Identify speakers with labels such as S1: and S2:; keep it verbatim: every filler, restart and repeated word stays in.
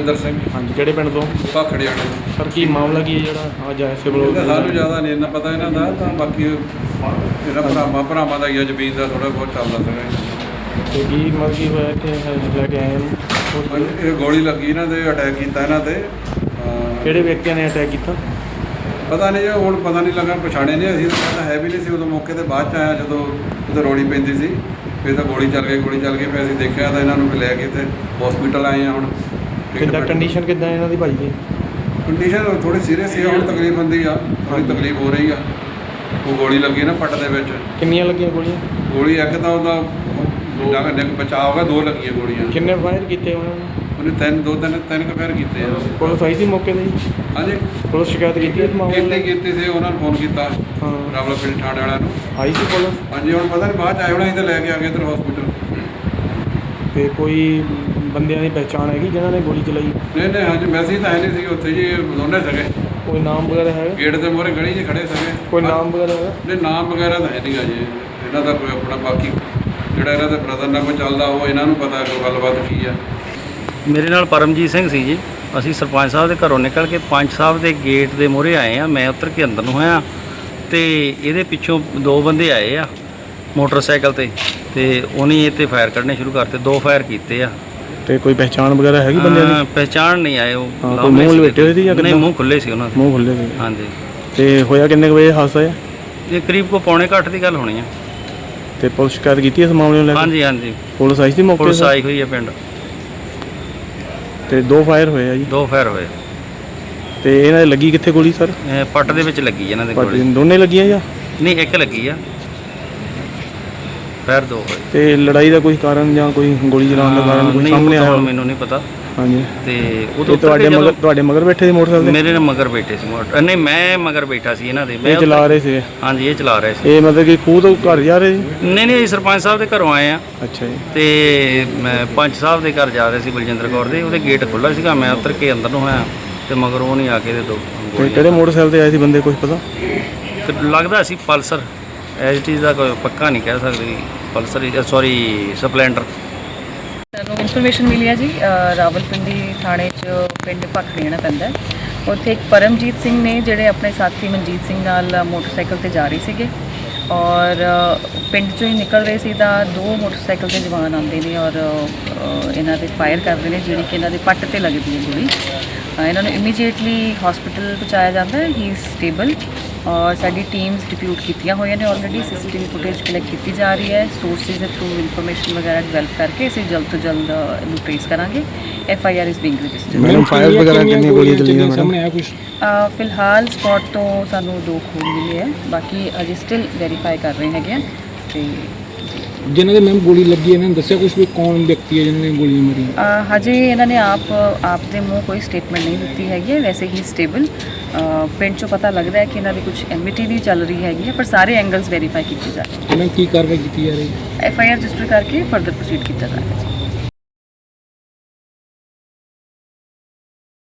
S1: ਬਲਵਿੰਦਰ ਸਿੰਘ।
S2: ਹਾਂਜੀ, ਕਿਹੜੇ ਪਿੰਡ ਤੋਂ?
S1: ਭਾਖੜੀਆਣੇ।
S2: ਸਰ ਕੀ ਮਾਮਲਾ ਕੀ ਹੈ ਜਿਹੜਾ ਅੱਜ ਆਇਆ ਸਿਵਲ?
S1: ਸਾਨੂੰ ਜ਼ਿਆਦਾ ਨਹੀਂ ਇੰਨਾ ਪਤਾ ਇਹਨਾਂ ਦਾ, ਤਾਂ ਬਾਕੀ ਇਹਨਾਂ ਭਰਾਵਾਂ ਭਰਾਵਾਂ ਦਾ ਹੀ ਆ, ਜ਼ਮੀਨ ਦਾ ਥੋੜ੍ਹਾ ਬਹੁਤ ਚੱਲਦਾ ਸੀਗਾ।
S2: ਤੇ ਕੀ ਮਤਲਬ ਕੀ ਹੋਇਆ ਇੱਥੇ ਲੈ ਕੇ ਆਏ ਨੂੰ?
S1: ਇਹ ਗੋਲੀ ਲੱਗੀ ਇਹਨਾਂ ਦੇ, ਅਟੈਕ ਕੀਤਾ ਇਹਨਾਂ ਤੇ।
S2: ਕਿਹੜੇ ਵਿਅਕਤੀਆਂ ਨੇ ਅਟੈਕ ਕੀਤਾ
S1: ਪਤਾ ਨਹੀਂ ਜੀ, ਹੁਣ ਪਤਾ ਨਹੀਂ ਲੱਗਾ, ਪਛਾਣੇ ਨਹੀਂ ਅਸੀਂ, ਤਾਂ ਹੈ ਵੀ ਨਹੀਂ ਸੀ ਉਦੋਂ ਮੌਕੇ 'ਤੇ। ਬਾਅਦ 'ਚ ਆਇਆ ਜਦੋਂ ਉਦੋਂ ਰੋੜੀ ਪੈਂਦੀ ਸੀ, ਫਿਰ ਤਾਂ ਗੋਲੀ ਚੱਲ ਗਈ ਗੋਲੀ ਚੱਲ ਗਈ ਫਿਰ ਅਸੀਂ ਦੇਖਿਆ ਤਾਂ ਇਹਨਾਂ ਨੂੰ ਵੀ ਲੈ ਕੇ ਤੇ ਹਸਪੀਟਲ ਆਏ ਆ। ਹੁਣ
S2: ਕਿੱਦਾਂ ਕੰਡੀਸ਼ਨ ਕਿੱਦਾਂ ਇਹਨਾਂ ਦੀ ਭਾਈ ਦੀ?
S1: ਕੰਡੀਸ਼ਨ ਥੋੜੀ ਸੀਰੀਅਸ ਹੈ, ਹੁਣ ਤਕਲੀਫ ਹੁੰਦੀ ਆ, ਥੋੜੀ ਤਕਲੀਫ ਹੋ ਰਹੀ ਆ। ਉਹ ਗੋਲੀ ਲੱਗੀ ਨਾ ਪੱਟ ਦੇ ਵਿੱਚ।
S2: ਕਿੰਨੀਆਂ ਲੱਗੀਆਂ ਗੋਲੀਆਂ?
S1: ਗੋਲੀ ਇੱਕ ਤਾਂ ਉਹਦਾ ਬਚਾਅ ਹੋ ਗਿਆ, ਦੋ ਲੱਗੀਆਂ ਗੋਲੀਆਂ।
S2: ਕਿੰਨੇ ਫਾਇਰ ਕੀਤੇ ਉਹਨਾਂ ਨੇ?
S1: ਉਹਨੇ ਤਿੰਨ ਦੋ ਤਿੰਨ ਤਿੰਨ ਕੁ ਫਾਇਰ ਕੀਤੇ ਆ।
S2: ਪੁਲਿਸ ਆਈ ਸੀ ਮੌਕੇ 'ਤੇ ਜੀ?
S1: ਹਾਂਜੀ,
S2: ਪੁਲਿਸ ਸ਼ਿਕਾਇਤ ਕੀਤੀ ਇਸ ਮਾਮਲੇ
S1: ਕੀਤੀ ਕੀਤੀ ਸੀ, ਉਹਨਾਂ ਨੂੰ ਫੋਨ ਕੀਤਾ
S2: ਹਾਂ,
S1: ਰਾਵਲਪਿੰਡੀ ਥਾਣੇ ਵਾਲਿਆਂ ਨੂੰ।
S2: ਆਈ ਸੀ ਪੁਲਿਸ?
S1: ਹਾਂਜੀ, ਹੁਣ ਪਤਾ ਨਹੀਂ ਬਾਅਦ 'ਚ ਆਏ ਹੋਣਾ, ਅਸੀਂ ਤਾਂ ਲੈ ਕੇ ਆ ਗਏ ਇੱਧਰ ਹਸਪੀਟਲ।
S2: ਤੇ ਕੋਈ ਬੰਦਿਆਂ ਦੀ ਪਹਿਚਾਣ ਹੈਗੀ ਜਿਨ੍ਹਾਂ ਨੇ ਗੋਲੀ ਚਲਾਈ?
S1: ਨਹੀਂ ਨਹੀਂ, ਹਾਂਜੀ ਮੈਸੇਜ ਤਾਂ ਹੈ ਨਹੀਂ ਸੀ ਉੱਥੇ ਜੀ, ਦੋਨੇ ਸੀਗੇ।
S2: ਕੋਈ ਨਾਮ ਵਗੈਰਾ ਹੈਗਾ?
S1: ਗੇਟ ਦੇ ਮੂਹਰੇ ਗਲੀ 'ਚ ਖੜੇ ਸੀਗੇ।
S2: ਕੋਈ ਨਾਮ ਵਗੈਰਾ ਹੈਗਾ?
S1: ਨਹੀਂ, ਨਾਮ ਵਗੈਰਾ ਤਾਂ ਹੈ ਨਹੀਂ ਗਾ ਜੀ ਇਹਨਾਂ ਦਾ ਕੋਈ ਆਪਣਾ। ਬਾਕੀ ਜਿਹੜਾ ਇਹਨਾਂ ਦੇ ਬ੍ਰਦਰ ਨਾਲ ਕੋਈ ਚੱਲਦਾ, ਉਹ ਇਹਨਾਂ ਨੂੰ ਪਤਾ ਕੋਈ ਗੱਲਬਾਤ ਕੀ ਆ।
S3: ਮੇਰੇ ਨਾਲ ਪਰਮਜੀਤ ਸਿੰਘ ਸੀ ਜੀ। ਅਸੀਂ ਸਰਪੰਚ ਸਾਹਿਬ ਦੇ ਘਰੋਂ ਨਿਕਲ ਕੇ ਪੰਚ ਸਾਹਿਬ ਦੇ ਗੇਟ ਦੇ ਮੂਹਰੇ ਆਏ ਆ। ਮੈਂ ਉੱਤਰ ਕੇ ਅੰਦਰ ਨੂੰ ਹੋਇਆ ਤੇ ਇਹਦੇ ਪਿੱਛੋਂ ਦੋ ਬੰਦੇ ਆਏ ਆ ਮੋਟਰਸਾਈਕਲ ਤੇ ਤੇ ਉਹਨੇ ਇਹ 'ਤੇ ਫਾਇਰ ਕੱਢਣੇ ਸ਼ੁਰੂ ਕਰਤੇ। ਦੋ ਫਾਇਰ ਕੀਤੇ ਆ।
S2: ਤੇ ਕੋਈ ਪਹਿਚਾਣ ਵਗੈਰਾ ਹੈਗੀ ਬੰਦਿਆਂ ਦੀ?
S3: ਪਹਿਚਾਣ ਨਹੀਂ ਆਏ ਉਹ।
S2: ਕੋਈ ਮੂੰਹ ਲਪੇਟੇ ਹੋਏ ਸੀ ਜਾਂ
S3: ਨਹੀਂ, ਮੂੰਹ ਖੁੱਲੇ ਸੀ ਉਹਨਾਂ ਦੇ।
S2: ਮੂੰਹ ਖੁੱਲੇ ਸੀ?
S3: ਹਾਂਜੀ।
S2: ਤੇ ਹੋਇਆ ਕਿੰਨੇ ਕੁ ਵਜੇ ਹਾਦਸਾ ਹੈ?
S3: ਇਹ ਕਰੀਬ ਕੋ ਪੌਣੇ ਘੱਟ ਦੀ ਗੱਲ ਹੋਣੀ ਆ।
S2: ਤੇ ਪੁਲਿਸ ਸ਼ਿਕਾਇਤ ਕੀਤੀ ਇਸ ਮਾਮਲੇ ਨੂੰ ਲੈ ਕੇ?
S3: ਹਾਂਜੀ ਹਾਂਜੀ,
S2: ਪੁਲਿਸ ਆਈ ਸੀ ਮੌਕੇ 'ਤੇ?
S3: ਪੁਲਿਸ ਆਈ ਹੋਈ ਹੈ ਪਿੰਡ।
S2: ਤੇ ਦੋ ਫਾਇਰ ਹੋਏ ਆ ਜੀ?
S3: ਦੋ ਫਾਇਰ ਹੋਏ।
S2: ਤੇ ਇਹਨਾਂ ਦੇ ਲੱਗੀ ਕਿੱਥੇ ਗੋਲੀ ਸਰ?
S3: ਇਹ ਪੱਟ ਦੇ ਵਿੱਚ ਲੱਗੀ ਇਹਨਾਂ ਦੇ
S2: ਪੱਟ
S3: ਗੋਲੀ।
S2: ਦੋਨੇ ਲੱਗੀਆਂ ਜਾਂ?
S3: ਨਹੀਂ, ਇੱਕ ਲੱਗੀ ਆ। ਫਾਇਰ ਦੋ ਹੋਏ।
S2: ਤੇ ਲੜਾਈ ਦਾ ਕੋਈ ਕਾਰਨ ਜਾਂ ਕੋਈ ਗੋਲੀ ਚਲਾਉਣ ਦਾ ਕਾਰਨ ਕੋਈ ਸਾਹਮਣੇ ਆਇਆ?
S3: ਮੈਨੂੰ ਨਹੀਂ ਪਤਾ।
S2: ਹਾਂਜੀ।
S3: ਤੇ ਉਦੋਂ
S2: ਤੁਹਾਡੇ ਮਗਰ ਤੁਹਾਡੇ ਮਗਰ ਬੈਠੇ ਸੀ ਮੋਟਰਸਾਈਕਲ ਤੇ?
S3: ਮੇਰੇ ਨਾਲ ਮਗਰ ਬੈਠੇ ਸੀ ਮੋਟਰ ਨਹੀਂ, ਮੈਂ ਮਗਰ ਬੈਠਾ ਸੀ ਇਹਨਾਂ ਦੇ।
S2: ਇਹ ਚਲਾ ਰਹੇ ਸੀ?
S3: ਹਾਂਜੀ, ਇਹ ਚਲਾ ਰਹੇ ਸੀ।
S2: ਇਹ ਮਤਲਬ ਕਿ ਖੂਹ ਤੋਂ ਘਰ ਜਾ ਰਹੇ ਸੀ?
S3: ਨਹੀਂ ਨਹੀਂ, ਸਰਪੰਚ ਸਾਹਿਬ ਦੇ ਘਰੋਂ ਆਏ ਆ।
S2: ਅੱਛਾ ਜੀ।
S3: ਤੇ ਮੈਂ ਪੰਚ ਸਾਹਿਬ ਦੇ ਘਰ ਜਾ ਰਹੇ ਸੀ, ਬਲਜਿੰਦਰ ਕੌਰ ਦੇ। ਉਹਦੇ ਗੇਟ ਖੁੱਲ੍ਹਾ ਸੀਗਾ, ਮੈਂ ਉੱਤਰ ਕੇ ਅੰਦਰ ਨੂੰ ਹੋਇਆ ਤੇ ਮਗਰ ਉਹ ਨਹੀਂ ਆ ਕੇ ਦੇ ਦੋ।
S2: ਤੇ ਕਿਹੜੇ ਮੋਟਰਸਾਈਕਲ ਤੇ ਆਏ ਸੀ ਬੰਦੇ, ਕੁਝ ਪਤਾ?
S3: ਤੇ ਲੱਗਦਾ ਸੀ ਪਲਸਰ। ਐਜ ਇਟ ਇਜ਼ ਦਾ ਕੋਈ ਪੱਕਾ ਨਹੀਂ ਕਹਿ ਸਕਦੇ। Pulsar sorry Splendor.
S4: ਸਾਨੂੰ ਇਨਫੋਰਮੇਸ਼ਨ ਮਿਲੀ ਹੈ ਜੀ, ਰਾਵਲਪਿੰਡੀ ਥਾਣੇ 'ਚ ਪਿੰਡ ਭਾਖੜੀਆਣਾ ਪੈਂਦਾ। ਉੱਥੇ ਇੱਕ ਪਰਮਜੀਤ ਸਿੰਘ ਨੇ ਜਿਹੜੇ ਆਪਣੇ ਸਾਥੀ ਮਨਜੀਤ ਸਿੰਘ ਨਾਲ ਮੋਟਰਸਾਈਕਲ ਤੇ ਜਾ ਰਹੇ ਸੀਗੇ ਔਰ ਪਿੰਡ 'ਚੋਂ ਹੀ ਨਿਕਲ ਰਹੇ ਸੀ ਤਾਂ ਦੋ ਮੋਟਰਸਾਈਕਲ ਦੇ ਜਵਾਨ ਆਉਂਦੇ ਨੇ ਔਰ ਇਹਨਾਂ ਦੇ ਫਾਇਰ ਕਰਦੇ ਨੇ, ਜਿਹੜੀ ਕਿ ਇਹਨਾਂ ਦੇ ਪੱਟ ਤੇ ਲੱਗਦੀ ਹੈ ਗੋਲੀ। ਇਹਨਾਂ ਨੂੰ ਇਮੀਡੀਏਟਲੀ ਹਸਪੀਟਲ ਪਹੁੰਚਾਇਆ ਜਾਂਦਾ ਹੈ। ਹੀ ਇਜ਼ ਸਟੇਬਲ ਔਰ ਸਾਡੀ ਟੀਮਸ ਡਿਪਿਊਟ ਕੀਤੀਆਂ ਹੋਈਆਂ ਨੇ ਆਲਰੇਡੀ। ਸੀਸੀਟੀਵੀ ਫੁਟੇਜ ਕਲੈਕਟ ਕੀਤੀ ਜਾ ਰਹੀ ਹੈ। ਸੋਰਸਿਸ ਦੇ ਥਰੂ ਇਨਫੋਰਮੇਸ਼ਨ ਵਗੈਰਾ ਡਿਵੈਲਪ ਕਰਕੇ ਅਸੀਂ ਜਲਦ ਤੋਂ ਜਲਦ ਇਹਨੂੰ ਟ੍ਰੇਸ ਕਰਾਂਗੇ। F I R is being registered.
S2: Madam fire ਵਗੈਰਾ ਕਿੰਨੀ ਗੋਲੀਆਂ ਚੱਲੀਆਂ ਸਾਹਮਣੇ ਆਇਆ ਕੁਝ?
S4: ਫਿਲਹਾਲ ਸਪੌਟ ਤੋਂ ਸਾਨੂੰ ਦੋ ਖੂਨ ਮਿਲੇ ਹੈ, ਬਾਕੀ ਅਜੇ ਸਟਿਲ ਵੈਰੀਫਾਈ ਕਰ ਰਹੇ ਹੈਗੇ ਆ। ਤੇ
S5: ਜਿਨ੍ਹਾਂ ਦੇ ਮੈਮ ਗੋਲੀ ਲੱਗੀ ਇਹਨਾਂ ਨੇ ਦੱਸਿਆ ਕੁਝ ਵੀ ਕੌਣ ਵਿਅਕਤੀ ਹੈ ਜਿਨ੍ਹਾਂ ਨੇ ਗੋਲੀਆਂ ਮਾਰੀਆਂ?
S4: ਹਜੇ ਇਹਨਾਂ ਨੇ ਆਪ ਆਪ ਦੇ ਮੂੰਹ ਕੋਈ ਸਟੇਟਮੈਂਟ ਨਹੀਂ ਦਿੱਤੀ ਹੈਗੀ ਹੈ। ਵੈਸੇ ਹੀ ਸਟੇਬਲ ਪਿੰਡ 'ਚੋਂ ਪਤਾ ਲੱਗਦਾ ਹੈ ਕਿ ਇਹਨਾਂ ਦੀ ਕੁਝ ਐਮਿਟੀ ਵੀ ਚੱਲ ਰਹੀ ਹੈਗੀ ਹੈ, ਪਰ ਸਾਰੇ ਐਂਗਲਸ ਵੈਰੀਫਾਈ ਕੀਤੇ ਜਾ ਰਹੇ।
S5: ਇਹਨਾਂ ਕੀ ਕਾਰਵਾਈ ਕੀਤੀ ਜਾ ਰਹੀ ਹੈ?
S4: ਐਫ ਆਈ ਆਰ ਰਜਿਸਟਰ ਕਰਕੇ ਫਰਦਰ ਪ੍ਰੋਸੀਡ ਕੀਤਾ ਜਾ ਰਿਹਾ ਹੈ।